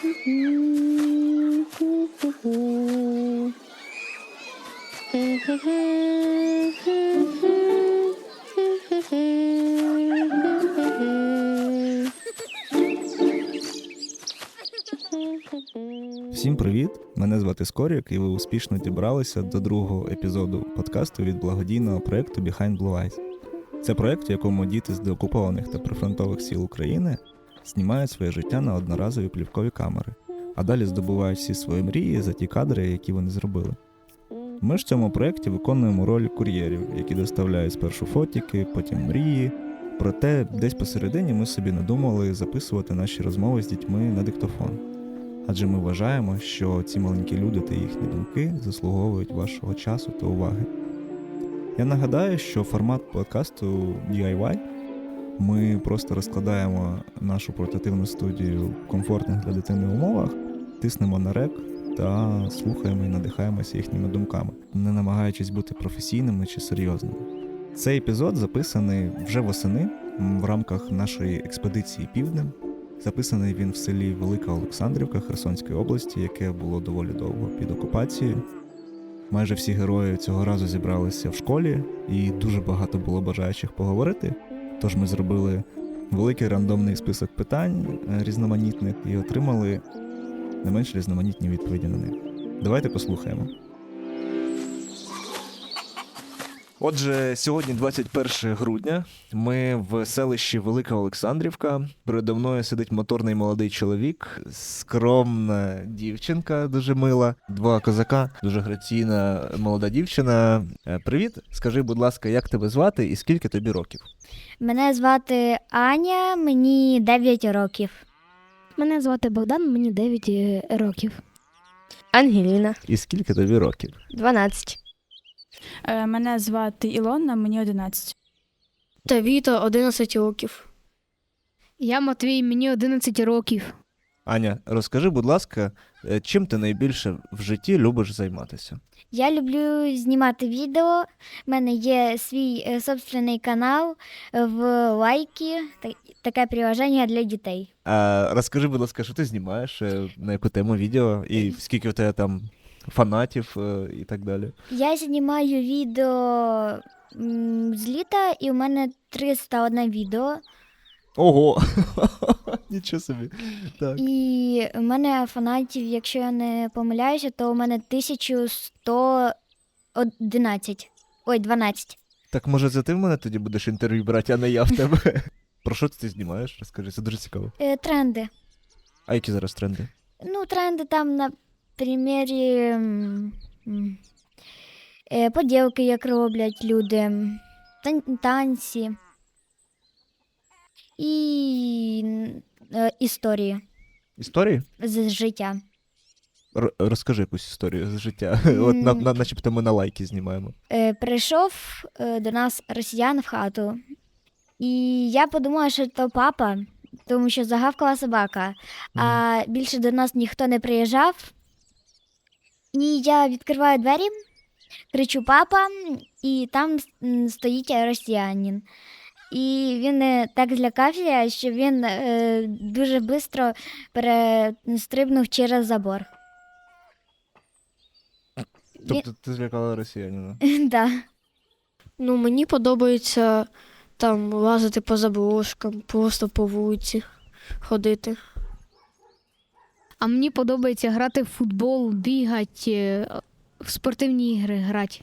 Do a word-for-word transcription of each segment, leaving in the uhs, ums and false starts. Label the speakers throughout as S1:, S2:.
S1: Всім привіт! Мене звати Скорік, і ви успішно дібралися до другого епізоду подкасту від благодійного проєкту Behind Blue Eyes. Це проєкт, в якому діти з деокупованих та прифронтових сіл України знімають своє життя на одноразові плівкові камери, а далі здобувають всі свої мрії за ті кадри, які вони зробили. Ми ж в цьому проєкті виконуємо роль кур'єрів, які доставляють спершу фотіки, потім мрії. Проте десь посередині ми собі надумали записувати наші розмови з дітьми на диктофон. Адже ми вважаємо, що ці маленькі люди та їхні думки заслуговують вашого часу та уваги. Я нагадаю, що формат подкасту ді ай вай. Ми просто розкладаємо нашу портативну студію в комфортних для дитини умовах, тиснемо на рек та слухаємо і надихаємося їхніми думками, не намагаючись бути професійними чи серйозними. Цей епізод записаний вже восени в рамках нашої експедиції «Півднем». Записаний він в селі Велика Олександрівка Херсонської області, яке було доволі довго під окупацією. Майже всі герої цього разу зібралися в школі, і дуже багато було бажаючих поговорити. Тож ми зробили великий рандомний список питань різноманітних і отримали не менш різноманітні відповіді на них. Давайте послухаємо. Отже, сьогодні двадцять перше грудня, ми в селищі Велика Олександрівка. Передо мною сидить моторний молодий чоловік, скромна дівчинка, дуже мила, два козака, дуже граційна молода дівчина. Привіт, скажи, будь ласка, як тебе звати і скільки тобі років?
S2: Мене звати Аня, мені дев'ять років.
S3: Мене звати Богдан, мені дев'ять років. Ангеліна.
S1: І скільки тобі років?
S3: дванадцять.
S4: Мене звати Ілона, мені одинадцять.
S3: Та Віта, одинадцять років.
S5: Я Матвій, мені одинадцять років.
S1: Аня, розкажи, будь ласка, чим ти найбільше в житті любиш займатися?
S2: Я люблю знімати відео, в мене є свій е, собственний канал в лайки, та- таке приложення для дітей.
S1: А, розкажи, будь ласка, що ти знімаєш, е, на яку тему відео, і скільки в тебе там фанатів е, і так далі?
S2: Я знімаю відео м, з літа, і у мене триста одне відео.
S1: Ого! Нічого собі. Так.
S2: І у мене фанатів, якщо я не помиляюся, то у мене тисяча сто одинадцять. Ой, дванадцять.
S1: Так, може, це ти в мене тоді будеш інтерв'ю брати, а не я в тебе? Про що ти знімаєш? Розкажи, це дуже цікаво.
S2: Е, тренди.
S1: А які зараз тренди?
S2: Ну, тренди там на примірі м, м, е, поділки, як роблять люди, тан- танці і м, е, історії
S1: Історії?
S2: з життя.
S1: Р- розкажи якусь історію з життя. От на, на, начебто ми на лайки знімаємо.
S2: Е, прийшов е, до нас росіян в хату, і я подумала, що то папа, тому що загавкала собака, а більше до нас ніхто не приїжджав. І я відкриваю двері, кричу «папа», і там м, стоїть росіянин. І він е, так злякався, що він е, дуже швидко перестрибнув через забор.
S1: Тобто ти злякала росіянина?
S2: Да.
S3: Ну, мені подобається там лазити по заброшкам, просто по вулиці ходити.
S5: А мені подобається грати в футбол, бігати, в спортивні ігри грати.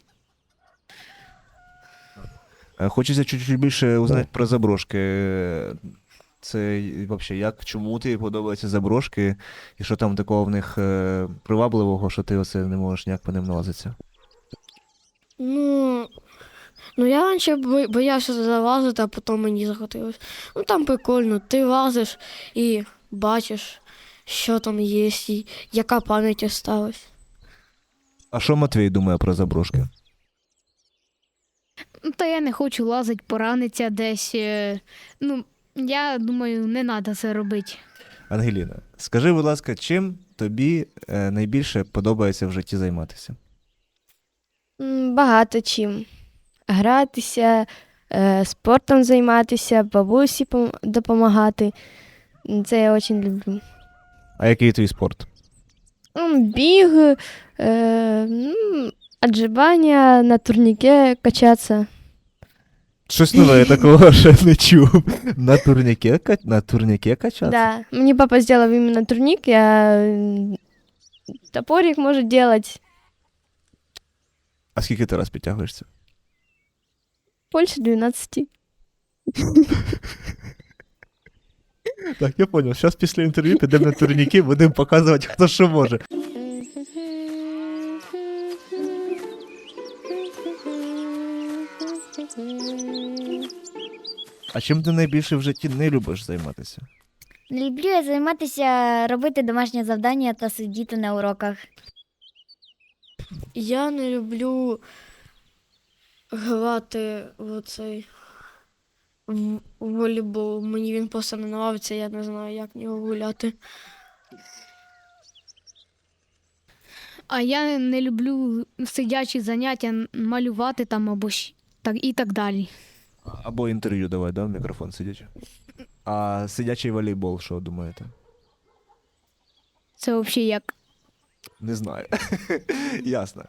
S1: Е, Хочеться чуть-чуть більше узнати про заброшки. Це взагалі, як, чому тобі подобаються заброшки, і що там такого в них е, привабливого, що ти оце не можеш ніяк по ним налазитися?
S3: Ну, ну я раніше бо- боявся залазити, а потім мені захотілося. Ну там прикольно, ти лазиш і бачиш, що там є, і яка пам'ять осталась.
S1: А що Матвій думає про заброшки?
S5: Ну, Та я не хочу лазити, поранитися десь. е, Ну, я думаю, не треба це робити.
S1: Ангеліна, скажи, будь ласка, чим тобі е, найбільше подобається в житті займатися?
S6: М, Багато чим. Гратися, е, спортом займатися, бабусі пом- допомагати. М, Це я дуже люблю.
S1: А який твій спорт?
S6: М, Біг, е, м, отжимання, на турніке качатися.
S1: Щось нове, я такого ще не чув. На турніке, ка- на турніке качатися?
S6: Да. Мені папа зробив іменно турнік, я м, топорик можу робити.
S1: А скільки ти раз підтягуєшся?
S6: Більше дванадцять.
S1: Так, я зрозумів. Зараз після інтерв'ю підемо на турніки, будемо показувати, хто що може. А чим ти найбільше в житті не любиш займатися?
S2: Люблю я займатися, робити домашнє завдання та сидіти на уроках.
S3: Я не люблю грати в цей в в волейбол. Мені він просто не подобається, я не знаю, як в нього гуляти.
S5: А я не люблю сидячі заняття, н- малювати там або щ- так, і так далі.
S1: Або інтерв'ю давай, да, в мікрофон сидячи. А сидячий волейбол, що думаєте?
S5: Це взагалі як.
S1: Не знаю. Ясно.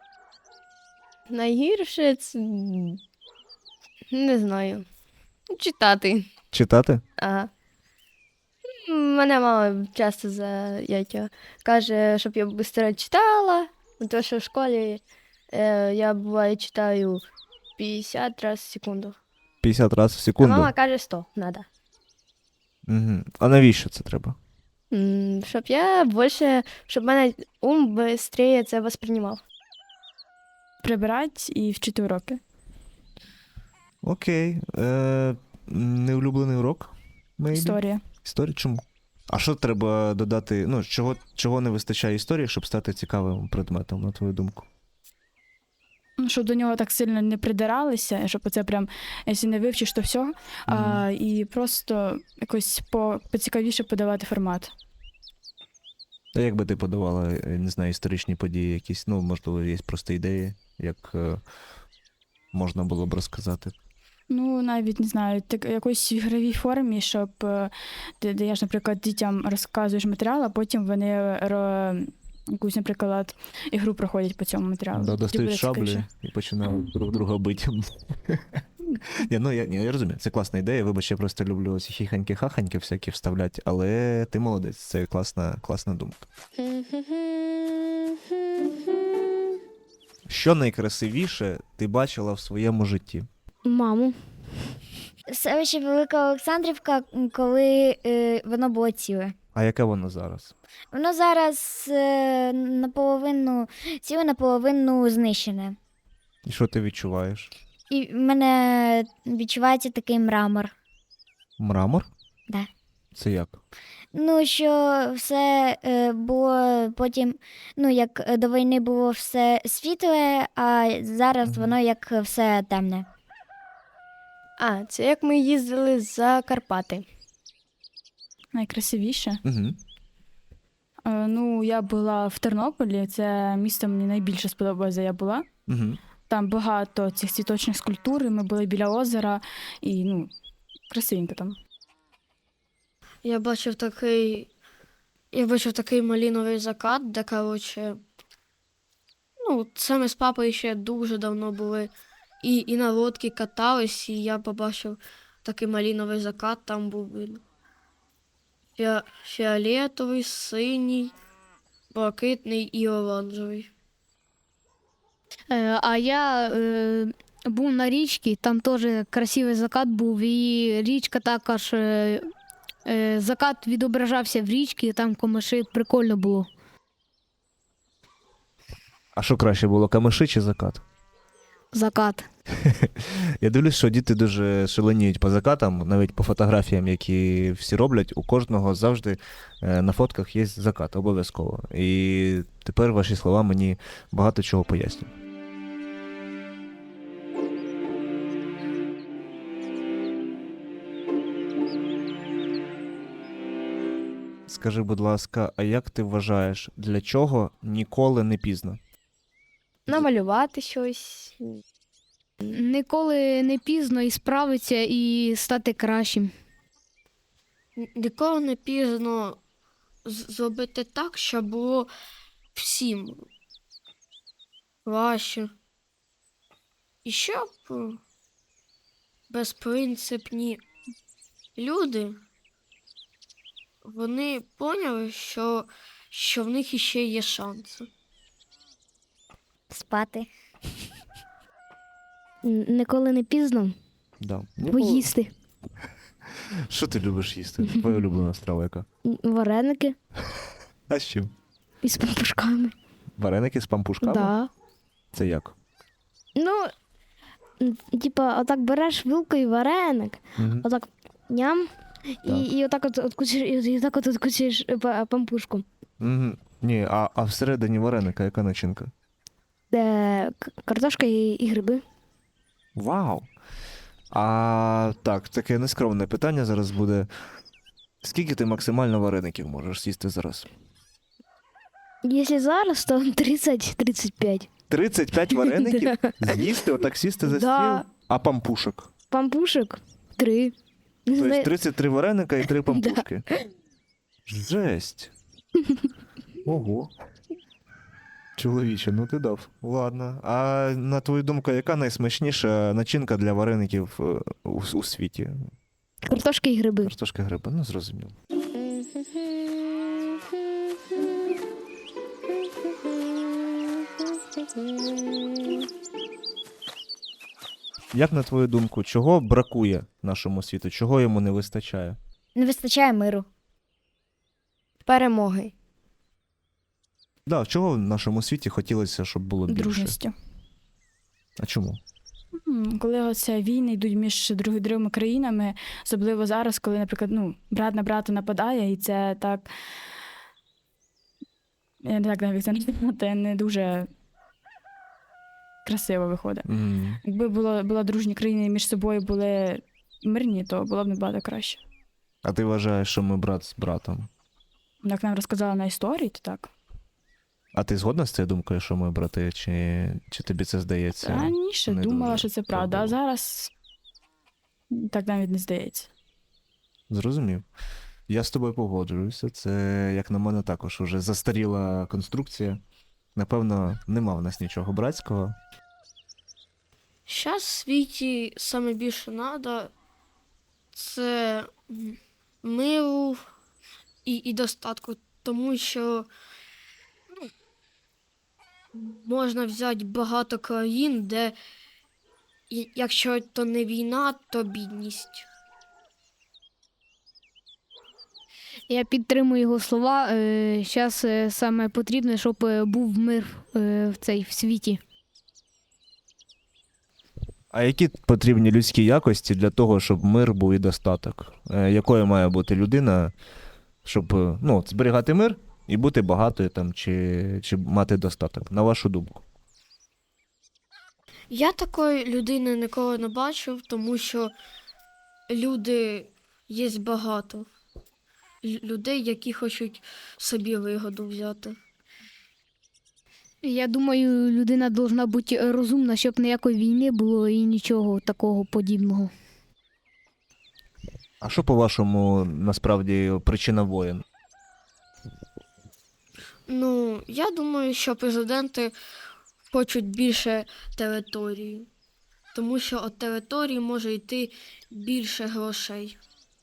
S6: Найгірше це... м, Не знаю. Читати.
S1: Читати?
S6: Ага. М, Мене мама часто за яйця каже, щоб я швидко читала, тому що в школі е, я буває читаю п'ятдесят разів в секунду.
S1: п'ятдесят разів в
S6: А
S1: секунду?
S6: мама каже сто, надо.
S1: Угу. А навіщо це треба?
S6: М, Щоб я більше, щоб мене ум швидше це восприймав.
S4: Прибирати і вчити уроки.
S1: Окей. Е, неулюблений урок? Maybe?
S4: Історія.
S1: Історія? Чому? А що треба додати? Ну, чого, чого не вистачає історії, щоб стати цікавим предметом, на твою думку?
S4: Ну, щоб до нього так сильно не придиралися, щоб це прям, якщо не вивчиш, то все. А, і просто якось по, поцікавіше подавати формат.
S1: А як би ти подавала, е, не знаю, історичні події якісь, ну, можливо, є просто ідеї, як е, можна було б розказати?
S4: Ну, навіть не знаю, так якоїсь в ігровій формі, щоб е, ти даєш, наприклад, дітям розказуєш матеріал, а потім вони ро, якусь, наприклад, ігру проходять по цьому матеріалу.
S1: Да,
S4: Тоді
S1: достають
S4: буде
S1: шаблі
S4: цікавіше.
S1: і починають друг друга бити. Ні, ну я, ні, я розумію, це класна ідея. Вибач, я просто люблю ці хіханьки-хаханьки всякі вставляти, але ти молодець, це класна, класна думка. Що найкрасивіше ти бачила в своєму житті?
S3: Маму.
S2: Селище Велика Олександрівка, м, коли е, воно було ціле.
S1: А яке воно зараз?
S2: Воно зараз е, наполовину ціле, наполовину знищене.
S1: І що ти відчуваєш?
S2: І в мене відчувається такий мрамор.
S1: Мрамор?
S2: Да.
S1: Це як?
S2: Ну, що все е, було потім, ну, як е, до війни було все світле, а зараз
S1: Мгм.
S2: воно як все темне.
S6: А, це як ми їздили за Карпати.
S4: Найкрасивіше.
S1: Угу.
S4: Е, ну, я була в Тернополі, це місто мені найбільше сподобалося, де я була.
S1: Угу.
S4: Там багато цих цвіточних скульптур, і ми були біля озера, і ну, красивенько там.
S3: Я бачив такий. Я бачив такий маліновий закат, де, коротше. Ну, це ми з папою ще дуже давно були. І, і на лодці катались, і я побачив такий маліновий закат, там був видно. Фіа... Фіолетовий, синій, блакитний і оранжевий.
S5: Е, а я е, був на річці, там теж красивий закат був, і річка також. Е, е, закат відображався в річці, там комиші, прикольно було.
S1: А що краще було, камиші чи закат?
S5: Закат.
S1: Я дивлюсь, що діти дуже шаленіють по закатам, навіть по фотографіям, які всі роблять, у кожного завжди е, на фотках є закат, обов'язково. І тепер ваші слова мені багато чого пояснюють. Скажи, будь ласка, а як ти вважаєш, для чого ніколи не пізно?
S6: Намалювати щось.
S5: Ніколи не пізно і справитися, і стати кращим.
S3: Н- Ніколи не пізно з- зробити так, щоб було всім важче. І щоб е, безпринципні люди, вони поняли, що, що в них іще є шанси.
S2: Спати.
S7: Н- Ніколи не пізно
S1: Да.
S7: поїсти.
S1: Що ти любиш їсти? Твоя улюблена страва яка?
S7: М, Вареники
S1: А з чим?
S7: із пампушками.
S1: Вареники з пампушками?
S7: Да.
S1: Це як?
S7: Ну, м, типа, отак береш вилкою вареник,
S1: Угу.
S7: отак ням,
S1: Так.
S7: і, і отак от откусиш, і отак от откусиш е, па- пампушку.
S1: Угу. Ні, а, а всередині вареника яка начинка?
S7: Де к- картошка і, і гриби.
S1: Вау! А так, таке нескромне питання зараз буде. Скільки ти максимально вареників можеш з'їсти зараз?
S7: Якщо зараз, то тридцять тридцять п'ять.
S1: тридцять п'ять вареників? З'їсти, отак сісти за
S7: Да.
S1: стіл? А пампушок?
S7: Пампушок три. Не
S1: Тобто
S7: знаю,
S1: тридцять три вареника і три пампушки. Жесть. Ого. Чоловіче, ну ти дав. Ладно. А на твою думку, яка найсмачніша начинка для вареників е, у, у світі?
S7: картошка і гриби.
S1: Картошка гриба, ну зрозуміло. Як на твою думку, чого бракує нашому світу? Чого йому не вистачає?
S2: Не вистачає миру.
S6: Перемоги.
S1: Да, чого в нашому світі хотілося, щоб було більше?
S4: Дружністю.
S1: А чому?
S4: М, Коли оце війни йдуть між друг- другими країнами, особливо зараз, коли, наприклад, ну, брат на брата нападає, і це так. Я не так навіть це назвати, не дуже красиво виходить.
S1: М.
S4: Якби було, була дружні країни і між собою були мирні, то було б набагато краще.
S1: А ти вважаєш, що ми брат з братом?
S4: Як нам розказали на історії, то так.
S1: А ти згодна з цією думкою, що ми брати, чи, чи тобі це здається?
S4: Раніше
S1: не
S4: думала,
S1: дуже
S4: що це правда, а
S1: правдиво.
S4: зараз так навіть не здається.
S1: Зрозумів. Я з тобою погоджуюся. Це, як на мене, також уже застаріла конструкція. Напевно, нема в нас нічого братського.
S3: Зараз в світі саме більше треба це м, миру і, і достатку, тому що ну, можна взяти багато країн, де і- якщо то не війна, то бідність.
S5: Я підтримую його слова. Зараз саме потрібно, щоб е, був мир е, в цей в світі.
S1: А які потрібні людські якості для того, щоб мир був і достаток? Е, Якою має бути людина, щоб е, ну, от зберігати мир і бути багатою там, чи, чи мати достаток? На вашу думку?
S3: Я такої людини ніколи не бачив, тому що люди є багато. Лю- Людей, які хочуть собі вигоду взяти.
S5: Я думаю, людина повинна бути розумна, щоб ніякої війни було і нічого такого подібного.
S1: А що, по-вашому, насправді причина воєн?
S3: Ну, я думаю, що президенти хочуть більше території, тому що від території може йти більше грошей.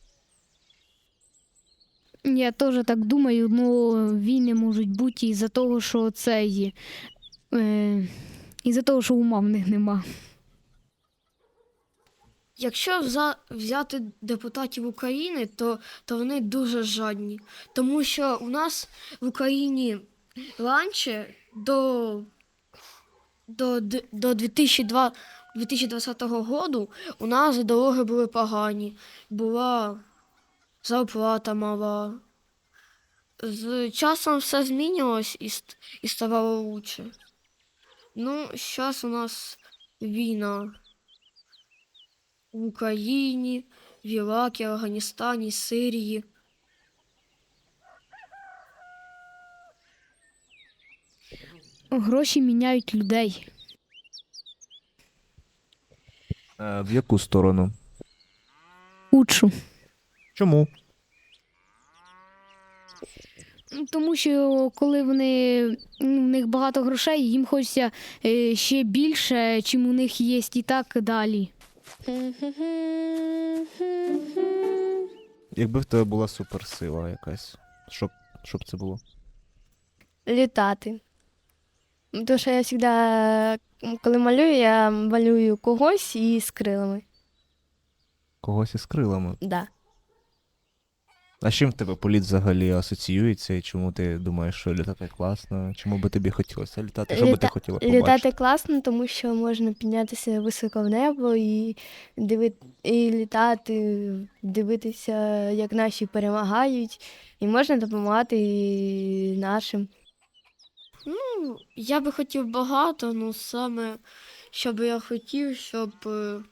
S5: Я теж так думаю, ну війни можуть бути із-за того, що це є. Е, із-за того, що ума в них нема.
S3: Якщо вза- взяти депутатів України, то, то вони дуже жадні. Тому що у нас в Україні раніше до, до, д- до дві тисячі двадцятого року у нас дороги були погані, була зарплата мала. З часом все змінювалось і, ст- і ставало лучше. Ну, зараз у нас війна. В Україні, в Іракі, Афганістані, Сирії.
S5: Гроші міняють людей.
S1: Е, В яку сторону?
S5: Учу.
S1: Чому?
S5: Ну, тому що коли вони, ну, в них багато грошей, їм хочеться е, ще більше, чим у них є, і так далі.
S1: Якби в тебе була суперсила якась, що б, що б це було?
S6: Літати. Тому що я завжди, коли малюю, я малюю когось із крилами.
S1: Когось із крилами.
S6: Да.
S1: А з чим в тебе політ взагалі асоціюється, і чому ти думаєш, що літати класно? Чому би тобі хотілося літати? Що би ти
S6: Літа-
S1: хотіла побачити?
S6: Літати класно, тому що можна піднятися високо в небо і, диви... і літати, дивитися, як наші перемагають, і можна допомагати і нашим.
S3: Ну, я би хотів багато, ну саме, що би я хотів, щоб е,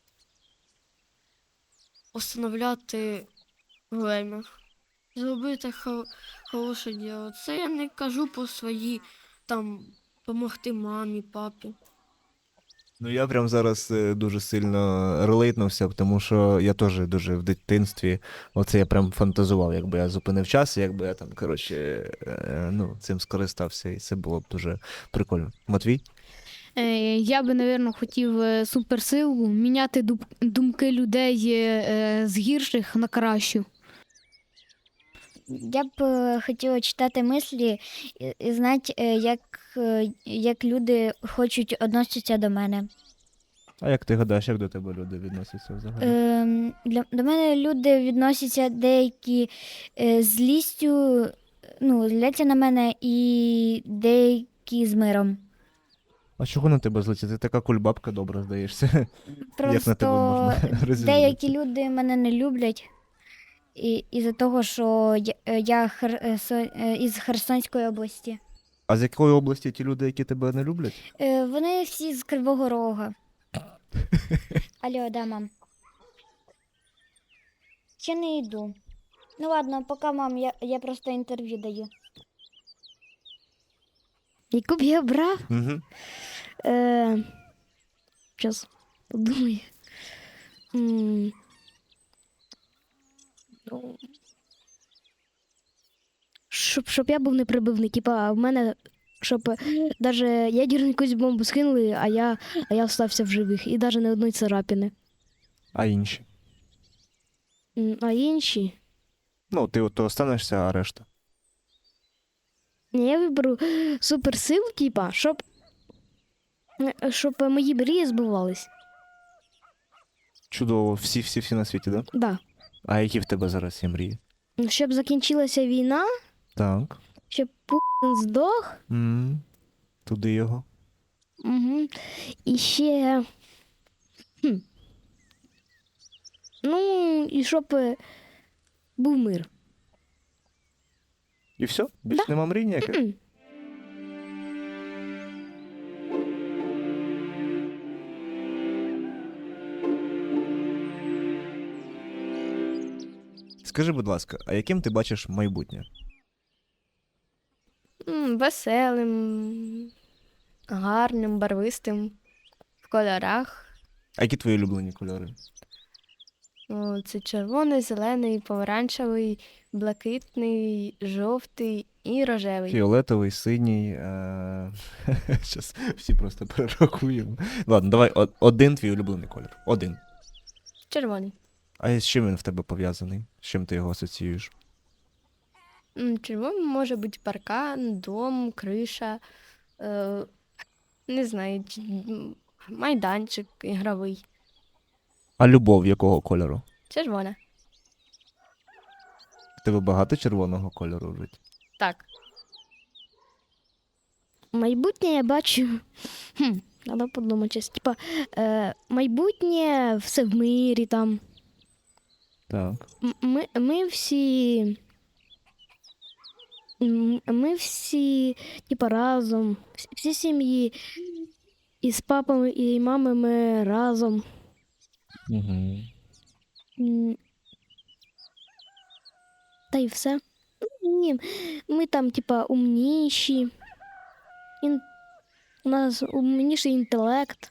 S3: остановляти время. Зробити хо- хороше діло. Це я не кажу по свої, там, допомогти мамі, папі.
S1: Ну я прям зараз е, дуже сильно релейтнувся, тому що я теж дуже в дитинстві, оце я прям фантазував, якби я зупинив час, і якби я там, коротше, е, ну, цим скористався, і це було б дуже прикольно. Матвій?
S5: Е, Я би, напевно, хотів е, суперсилу, міняти дум- думки людей е, з гірших на кращу.
S2: Я б е, хотіла читати мислі і, і знати, е, як, е, як люди хочуть відноситися до мене.
S1: А як ти гадаєш, як до тебе люди відносяться взагалі?
S2: Ем, для, до мене люди відносяться деякі е, з злістю, ну, зляться на мене, і деякі з миром.
S1: А чого на тебе злиться? Ти така кульбабка добра, здаєшся. Як на тебе
S2: Просто
S1: можна розізлитися?
S2: деякі люди мене не люблять. І, із-за того, що я, е, я хер, е, со- е, із Херсонської області.
S1: А з якої області ті люди, які тебе не люблять?
S2: Е, вони всі з Кривого Рога. Алло, да, мам. Ще не йду. Ну ладно, поки, мам, я, я просто інтерв'ю даю.
S7: Яку б я брав?
S1: Угу.
S7: Е, Щас подумаю. М, ну, Щоб, щоб я був неприбивний, типа в мене, щоб навіть ядерну якусь бомбу скинули, а я, а я остався в живих. І навіть не одної царапини.
S1: А інші?
S7: М, А інші.
S1: Ну, ти от останешся, а решта.
S7: Ні, я виберу суперсилу, типа, щоб, е, щоб мої мрії збувались.
S1: Чудово, всі-всі-всі на світі, да?
S7: Да.
S1: А які в тебе зараз є мрії?
S7: Щоб закінчилася війна,
S1: Так.
S7: щоб Путін здох.
S1: м Туди його.
S7: Угу. І ще. Хм. Ну, і щоб е, був мир.
S1: І все? Більше нема мрій ніяких?
S7: М.
S1: Скажи, будь ласка, а яким ти бачиш майбутнє?
S6: М, Веселим, гарним, барвистим, в кольорах.
S1: А які твої улюблені кольори?
S6: О, це червоний, зелений, помаранчевий, блакитний, жовтий і рожевий.
S1: Фіолетовий, синій. Е... Щас всі просто перерахуємо. Ладно, давай о- один твій улюблений колір. Один.
S6: Червоний.
S1: А з чим він в тебе пов'язаний? З чим ти його асоціюєш?
S6: М, Червоним може бути паркан, дом, криша, е, не знаю, чи- м, майданчик ігровий.
S1: А любов якого кольору?
S6: Червона.
S1: В тебе багато червоного кольору в житті?
S6: Так.
S7: Майбутнє я бачу. Хм, треба подумати. щас. Типа, е, майбутнє все в мирі там.
S1: Так.
S7: М- Ми, ми всі. м, Ми всі, типа, разом. Всі, всі сім'ї. І з папами, і мамами разом.
S1: Угу.
S7: М. Та й все. Ну, ні, ми там, типа, умніші. Ін... У нас умніший інтелект.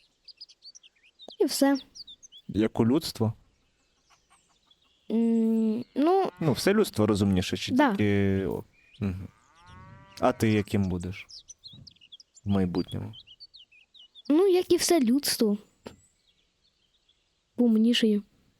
S7: І все.
S1: Як у людство?
S7: М, Ну,
S1: Ну, все людство розумніше, чи
S7: Да.
S1: тільки о, Угу. А ти яким будеш в майбутньому?
S7: Ну, як і все людство. Умнішою.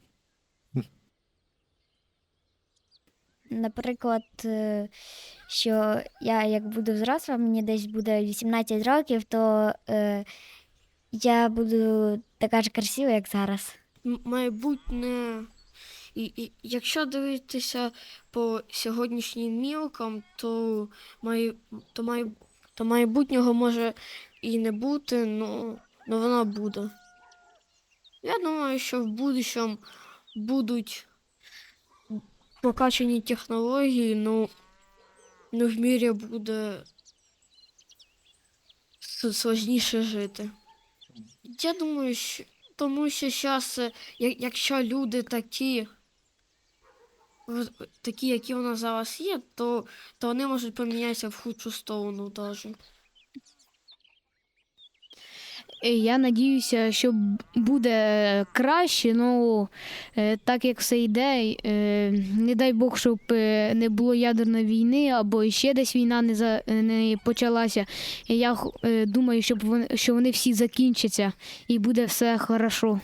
S2: Наприклад, е, що я як буду взросла, мені десь буде вісімнадцять років, то е, я буду така ж красива, як зараз.
S3: М- Майбутнє. І, і якщо дивитися по сьогоднішнім мілкам, то, май, то, май, то майбутнього може і не бути, ну, ну воно буде. Я думаю, що в будущому будуть прокачані технології, ну, ну в мірі буде с- сложніше жити. Я думаю, що тому що зараз, якщо люди такі, в- такі, які у нас зараз є, то, то вони можуть помінятися в худшу сторону навіть.
S5: Е, Я надіюся, що б- буде краще, ну е, так як все йде, е, не дай Бог, щоб е, не було ядерної війни або ще десь війна не, за, не почалася. І я х- е, думаю, щоб вони, що вони всі закінчаться і буде все хорошо.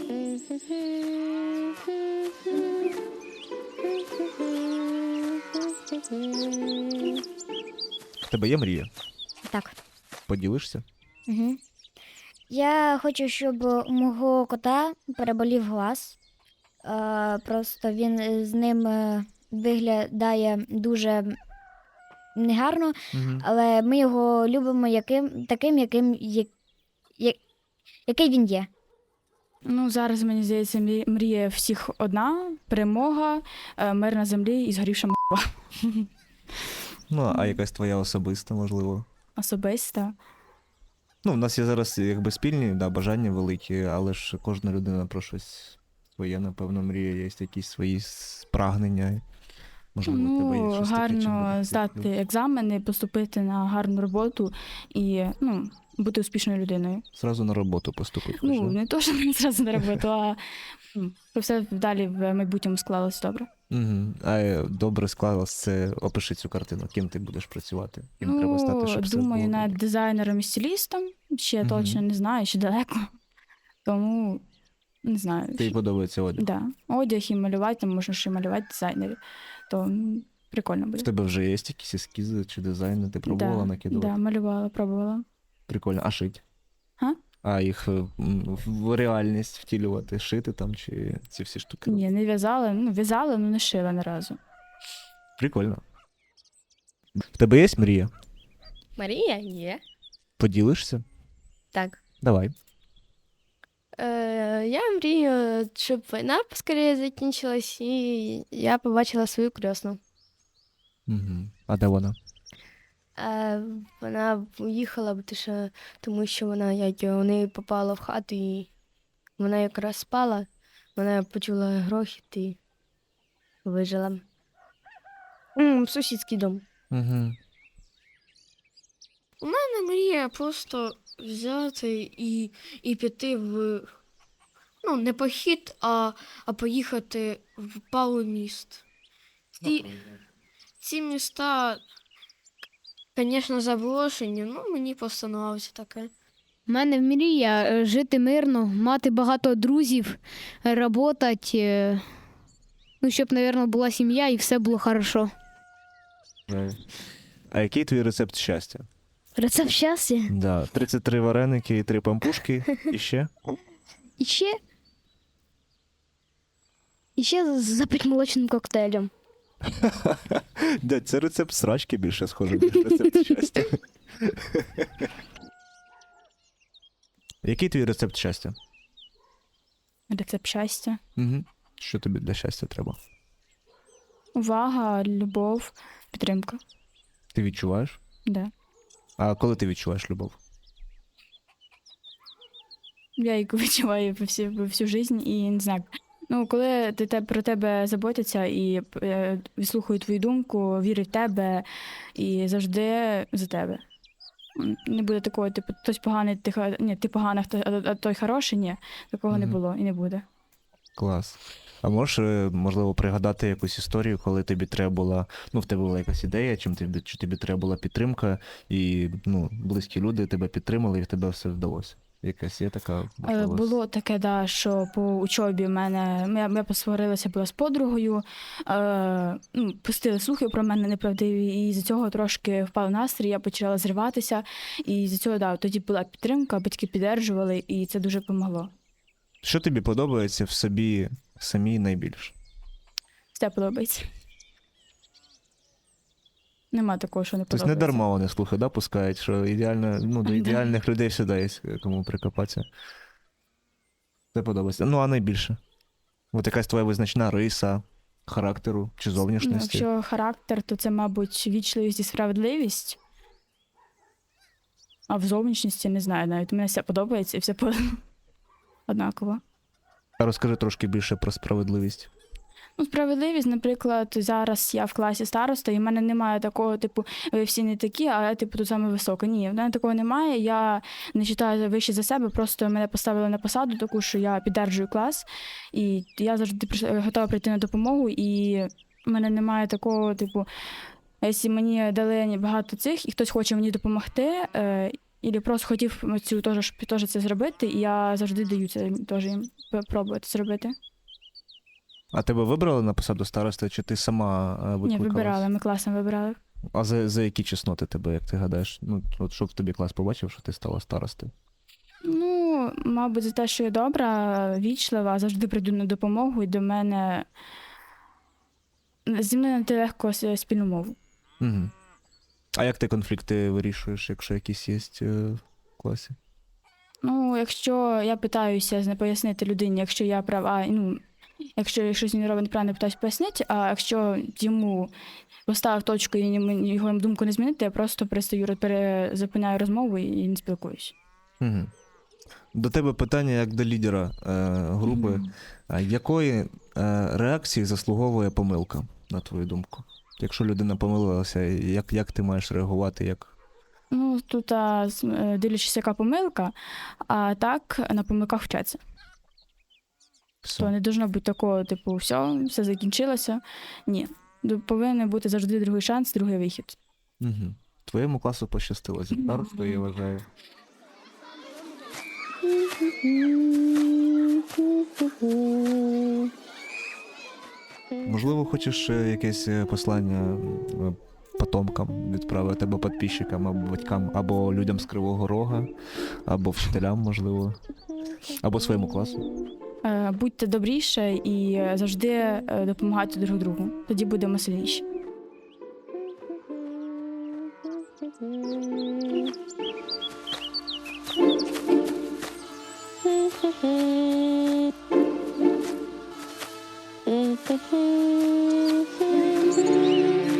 S1: В тебе є мрія?
S2: Так.
S1: Поділишся?
S2: Угу. Я хочу, щоб у мого кота переболів глаз. Е, просто він з ним е, виглядає дуже негарно,
S1: Угу.
S2: але ми його любимо яким, таким, яким, як, як, який він є.
S4: Ну, зараз, мені здається, мрі- мрія всіх одна: перемога, е, мир на землі і згорівша м***ва.
S1: Ну, а якась твоя особиста, можливо.
S4: Особиста.
S1: Ну, в нас є зараз якби спільні, да, бажання великі, але ж кожна людина про щось своє, напевно, мріє, є якісь свої с- прагнення. Можливо, у тебе є
S4: Ну,
S1: щось таке, чим
S4: гарно
S1: би
S4: здати
S1: ти-
S4: екзамени, поступити на гарну роботу і, ну, бути успішною людиною.
S1: Зразу на роботу поступити.
S4: Ну, не то, що мені зразу на роботу, а м, щоб все далі в майбутньому склалось добре.
S1: Угу. А е, добре склалось, це опиши цю картину, ким ти будеш працювати, ким треба стати, щоб все
S4: думаю,
S1: було
S4: над
S1: добре.
S4: дизайнером і стилістом. Ще
S1: Мгм.
S4: точно не знаю, ще далеко. Тому не знаю.
S1: Тобі
S4: ще-
S1: подобається одяг.
S4: Да. Одяг і малювати, там можна ще малювати дизайнерів. То м, прикольно
S1: В
S4: буде.
S1: тебе вже є якісь ескізи чи дизайни, ти пробувала
S4: да,
S1: накидувати?
S4: да, малювала, пробувала.
S1: Прикольно. А шить?
S4: Га?
S1: А їх е, м, в реальність втілювати, шити там, чи ці всі штуки?
S4: Ні, не в'язала, ну в'язала, але не шила ні разу.
S1: Прикольно. В тебе є мрія?
S6: Марія є.
S1: Поділишся?
S6: Так.
S1: Давай.
S6: Е, я мрію, щоб війна поскоріше закінчилась, і я побачила свою крісну.
S1: Угу. А де вона?
S6: Е, вона уїхала, бо ти що- тому що вона як його, у неї попала в хату, і вона якраз спала, вона почула грохіт і вижила. М, сусідський дом.
S1: Угу.
S3: Не мрія просто взяти і, і піти в, ну, не похід, а, а поїхати в пару міст. Ці, ці міста, звісно, заброшені, ну мені просто подобається таке.
S5: У мене мрія е, жити мирно, мати багато друзів, працювати, ну, щоб, мабуть, була сім'я і все було хорошо.
S1: А який твій рецепт щастя?
S7: Рецепт щастя.
S1: Да. тридцять три вареники і три пампушки. І ще?
S7: І ще. І ще запить молочним коктейлем.
S1: Дядь, це рецепт срачки більше схоже, ніж рецепт щастя. Який твій рецепт щастя?
S4: Рецепт щастя.
S1: Угу. Що тобі для щастя треба?
S4: Увага, любов, підтримка.
S1: Ти відчуваєш?
S4: Да.
S1: А коли ти відчуваєш любов?
S4: Я її відчуваю по всю, по всю життя і не знаю. Ну, коли ти, те- про тебе заботяться і е, вислухають твою думку, вірять в тебе і завжди за тебе. М, Не буде такого, типу, хтось поганий, ти, ха- ні, ти поганий, хто- а, а той хороший, ні. Такого не
S1: Мгм.
S4: було і не буде.
S1: Клас. А можеш, е, можливо, пригадати якусь історію, коли тобі треба була, ну, в тебе була якась ідея, чим тобі, чи тобі треба була підтримка, і, ну, близькі люди тебе підтримали, і в тебе все вдалося. Якась є така
S4: Е,
S1: можливість?
S4: Було таке, да, що по учобі в мене я, я посварилася була з подругою, е, ну, пустили слухи про мене неправдиві, і з цього трошки впав настрій, я почала зриватися. І з цього, да, тоді була підтримка, батьки підтримували, і це дуже допомогло.
S1: Що тобі подобається в собі самій найбільше?
S4: Все подобається. Нема такого, що не
S1: Тобто
S4: подобається.
S1: не дарма вони слухи, да, пускають, що ідеально, ну, до
S4: Да.
S1: ідеальних людей завжди є кому прикопатися. Це подобається. Ну, а найбільше? От якась твоя визначна риса характеру чи
S4: Ну,
S1: зовнішності?
S4: якщо характер, то це, мабуть, вічливість і справедливість. А в зовнішності не знаю навіть. Мені все подобається і все по... однаково.
S1: А розкажи трошки більше про справедливість.
S4: Ну, справедливість, наприклад, зараз я в класі староста, і в мене немає такого, типу, ви всі не такі, а я, типу, тут саме висока. Ні, в мене такого немає. Я не вважаю вище за себе, просто мене поставили на посаду таку, що я піддержую клас, і я завжди приш- готова прийти на допомогу, і в мене немає такого, типу, якщо мені дали багато цих, і хтось хоче мені допомогти, е, і просто хотів цю теж, щоб теж це зробити, і я завжди даю це теж їм пробувати зробити.
S1: А тебе вибрали на посаду старости, чи ти сама е,
S4: Ні,
S1: викликалась?
S4: вибирали, ми класом вибирали.
S1: А за, за які чесноти тебе, як ти гадаєш? Ну, от щоб тобі клас побачив, що ти стала старостою?
S4: Ну, мабуть, за те, що я добра, вічлива, завжди прийду на допомогу, і до мене зі мною знайти легко с- спільну мову.
S1: Угу. А як ти конфлікти вирішуєш, якщо якісь є е, в класі?
S4: Ну, якщо я питаюся зна- пояснити людині, якщо я права, ну, якщо щось він робить неправильно, питаюся пояснити, а якщо йому поставив точку і йому- його думку не змінити, я просто перестаю, роз- перезупиняю розмову і не спілкуюсь.
S1: Угу. До тебе питання як до лідера е, групи. А якої е, реакції заслуговує помилка, на твою думку? Якщо людина помилилася, як, як ти маєш реагувати? Як...
S4: Ну, тут а, з- е, дивлячись, яка помилка, а так на помилках вчаться.
S1: Все.
S4: То не должно бути такого, типу, все, все закінчилося. Ні. Ду- Повинен бути завжди другий шанс, другий вихід.
S1: Угу. Твоєму класу пощастило зі старостою, я вважаю. Можливо, хочеш е, якесь е, послання е, потомкам відправити, або підписчикам, або батькам, або людям з Кривого Рога, або вчителям, можливо, або своєму класу.
S4: Е, Будьте добріше і е, завжди е, допомагайте друг другу. Тоді будемо сильніші.
S7: Mm-hmm.